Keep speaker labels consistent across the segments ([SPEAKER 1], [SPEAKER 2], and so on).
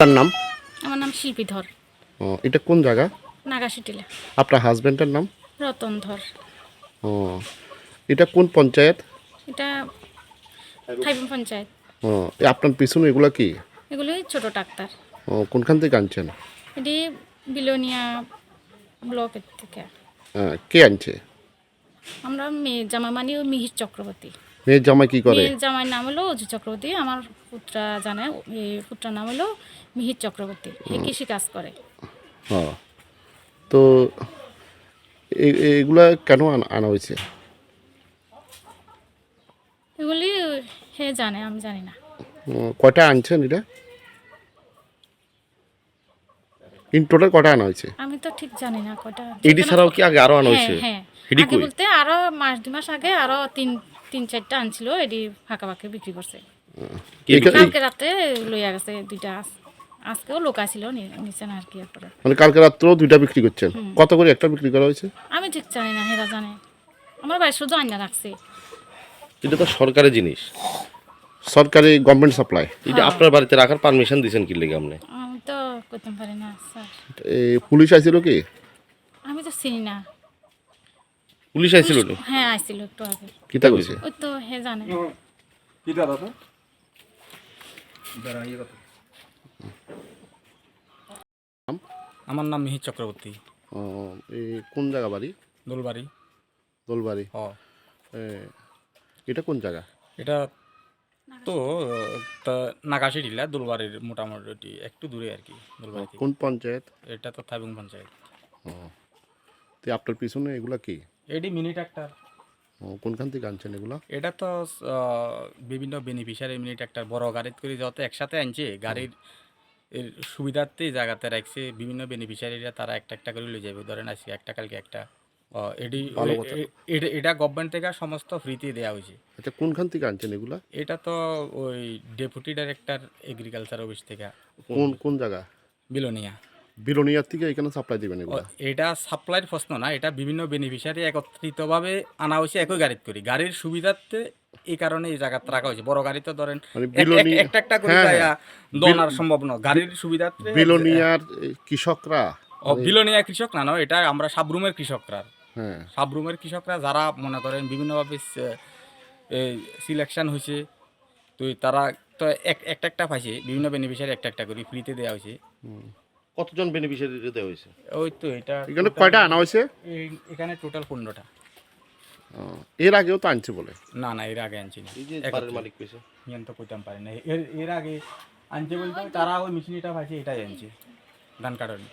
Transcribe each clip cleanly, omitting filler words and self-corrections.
[SPEAKER 1] তার নাম?
[SPEAKER 2] আমার নাম শিল্পী ধর।
[SPEAKER 1] ও, এটা কোন জায়গা?
[SPEAKER 2] নাগাশিটিলা।
[SPEAKER 1] আপনার হাজবেন্ডের নাম?
[SPEAKER 2] রতন ধর।
[SPEAKER 1] ও, এটা কোন পঞ্চায়েত?
[SPEAKER 2] এটা থাইবন পঞ্চায়েত।
[SPEAKER 1] ও, আপনার পিছনে এগুলা কি?
[SPEAKER 2] এগুলি ছোট ডাক্তার।
[SPEAKER 1] ও, কোনখান থেকে আনছেন?
[SPEAKER 2] এটি বিলোনিয়া ব্লকের থেকে।
[SPEAKER 1] কে আনছে?
[SPEAKER 2] আমরা মেয়ে জামাই মানে মিহির চক্রবর্তী।
[SPEAKER 1] মেয়ের জামাই কি করে?
[SPEAKER 2] মেয়ের জামাইয়ের নাম হলো অজু চক্রবর্তী। আমার পুত্রা জানে, এই পুত্রার নাম হলো মিহির চক্রবর্তী। হে কৃষি কাজ করে।
[SPEAKER 1] ও, তো এগুলা কেন আনা হয়েছে?
[SPEAKER 2] এগুলি হে জানে, আমি জানি না।
[SPEAKER 1] কয়টা আনছেন এটা? ইন টোটাল কটা আনা হয়েছে?
[SPEAKER 2] আমি তো ঠিক জানি না কয়টা।
[SPEAKER 3] এডি ছাড়াও কি আগে আরো আনা
[SPEAKER 2] হ্যাঁ
[SPEAKER 3] হয়েছে?
[SPEAKER 2] হ্যাঁ,
[SPEAKER 3] এডি
[SPEAKER 2] আগে
[SPEAKER 3] কই?
[SPEAKER 2] বলতে আরো মাস 2 মাস আগে আরো তিন চারটা আনছিল, এটি ফাঁকা ফাঁকা বিক্রি করছে।
[SPEAKER 3] কে
[SPEAKER 1] এখা-
[SPEAKER 2] কালকে রাতে লইয়া গেছে দুইটা। আজকেও লোক আসছিল নিচে না আর কি করে।
[SPEAKER 1] মানে কালকে রাত্রেও দুইটা বিক্রি করছেন? কত করে একটা বিক্রি করা হয়েছে?
[SPEAKER 2] আমি ঠিক জানি না, হেরা জানে। আমার বাড়ি শুধু আইনা রাখছে।
[SPEAKER 3] এটা তো সরকারি জিনিস।
[SPEAKER 1] সরকারি গভর্নমেন্ট সাপ্লাই।
[SPEAKER 3] এটা আপনার বাড়িতে রাখার পারমিশন দিয়েছেন কি লেগে আপনি?
[SPEAKER 2] আমি তো করতে পারি না স্যার।
[SPEAKER 1] পুলিশ আইছিল কি?
[SPEAKER 2] আমি তো চিনি না।
[SPEAKER 3] পুলিশ আইছিল নি?
[SPEAKER 2] হ্যাঁ আইছিল একটু আগে।
[SPEAKER 1] কিতা কইছে?
[SPEAKER 2] ওই তো হে জানে।
[SPEAKER 4] আমার নাম মিহির চক্রবর্তী।
[SPEAKER 1] ও, এই কোন জায়গা বাড়ি?
[SPEAKER 4] দোলবাড়ি।
[SPEAKER 1] দোলবাড়ি।
[SPEAKER 4] হ,
[SPEAKER 1] এ, এটা কোন জায়গা?
[SPEAKER 4] এটা তো নাগাশি টিলা দোলবাড়ির মোটামুটি একটু দূরে আর কি দোলবাড়ি থেকে।
[SPEAKER 1] কোন পঞ্চায়েত?
[SPEAKER 4] এটা তো থাইবং পঞ্চায়েত।
[SPEAKER 1] তো আপনার পিছনে এগুলা কি?
[SPEAKER 4] এটি মিনি ট্রাক্টর।
[SPEAKER 1] ও, কোনখান থেকে আনছেন এগুলা?
[SPEAKER 4] এটা তো বিভিন্ন বেনিফিশিয়ারি মিনি ট্রাক্টর বড় গাড়িতে করে যত একসাথে আনছে গাড়ির এর সুবিধার্থে জায়গাতে রাখছে। বিভিন্ন বেনিফিশিয়ারিরা তারা একটা একটা করে লয়ে যাবে। ধরেন আজকে একটা কালকে একটা।
[SPEAKER 1] ভালো কথা।
[SPEAKER 4] এটা গভর্নমেন্ট থেকে সমস্ত ফ্রিতে দেওয়া হয়েছে।
[SPEAKER 1] আচ্ছা, কোনখান থেকে আনছেন এগুলা?
[SPEAKER 4] এটা তো ওই ডেপুটি ডাইরেক্টর এগ্রিকালচার অফিস থেকে।
[SPEAKER 1] কোন কোন জায়গা?
[SPEAKER 4] বিলোনিয়া।
[SPEAKER 1] বিলোনিয়ার থেকে এখানে সাপ্লাই দিবেন এগুলা?
[SPEAKER 4] এটা সাপ্লাইয়ের প্রশ্ন না, এটা বিভিন্ন বেনিফিশিয়ারি একত্রিতভাবে আনা হয়েছে একই গাড়িতে করি গাড়ির সুবিধার্থে। এই কারণে এই জায়গাতে রাখা হয়েছে। বড় গাড়ি তো ধরেন
[SPEAKER 1] মানে বিলোনি-
[SPEAKER 4] একটা একটা করে
[SPEAKER 1] হ্যাঁ,
[SPEAKER 4] যাইয়া
[SPEAKER 1] হ্যাঁ।
[SPEAKER 4] দোনার সম্ভব না, গাড়ির সুবিধার্থে।
[SPEAKER 1] বিলোনিয়ার কৃষকরা?
[SPEAKER 4] বিলোনিয়া কৃষক না, না এটা আমরা সাবরুমের কৃষকরা।
[SPEAKER 1] হ্যাঁ।
[SPEAKER 4] সাবরুমের কৃষকরা যারা মনে করেন বিভিন্নভাবে সিলেকশন হয়েছে, তো তারা তো একটা একটা পাইছে। বিভিন্ন বেনিফিশিয়ারি একটা একটা করে ফ্রিতে দেওয়া হয়েছে।
[SPEAKER 3] কতজন বেনিফিশিয়ারি দেওয়া হয়েছে?
[SPEAKER 4] ওই তো এটা
[SPEAKER 1] এখানে কয়টা আনা হয়েছে?
[SPEAKER 4] এখানে টোটাল 15টা।
[SPEAKER 1] এর আগেও তো আনছে বলে।
[SPEAKER 4] না না, এর আগে আনছি না।
[SPEAKER 3] এই যে বাড়ির মালিক কইছে।
[SPEAKER 4] নিয়ন তো কইতাম পারি না। এর আগে আনছে বলতে তারা ওই মেশিনটা পাইছে, এটাই আনছে ধান কাটার।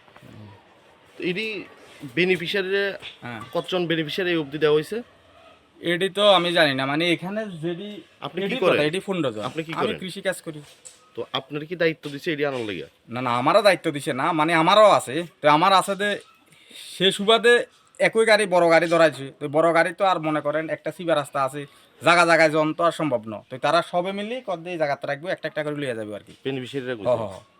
[SPEAKER 3] তো এডি বেনিফিশিয়ারি
[SPEAKER 4] হ্যাঁ,
[SPEAKER 3] কতজন বেনিফিশিয়ারি এই অবধি দেওয়া হয়েছে?
[SPEAKER 4] এটি তো আমি জানি না, মানে এখানে যদি
[SPEAKER 3] আপনি কি
[SPEAKER 4] এটি
[SPEAKER 3] করেন?
[SPEAKER 4] কথা, এটি 15 জন।
[SPEAKER 3] আপনি কি
[SPEAKER 4] আমি
[SPEAKER 3] করেন?
[SPEAKER 4] কৃষি কাজ করি।
[SPEAKER 3] তো আপনার কি দায়িত্ব দিছে এডি আনার লেগে?
[SPEAKER 4] না না, আমারও দায়িত্ব দিছে না, মানে আমারও আছে। তো আমার আছে যে সে সুবাদে একই গাড়ি বড় গাড়ি ধরাইছে। তো বড় গাড়ি তো আর মনে করেন একটা সিবা রাস্তা আছে, জায়গা জায়গায় জন তো আর সম্ভব নয়। তো তারা সবে মিলে কত দিয়ে জায়গাতে রাখবে, একটা একটা করে লিয়ে যাবে আর কি।
[SPEAKER 3] বেনিফিশিয়ারিরা
[SPEAKER 4] হ
[SPEAKER 3] কইছে।
[SPEAKER 4] হ হ।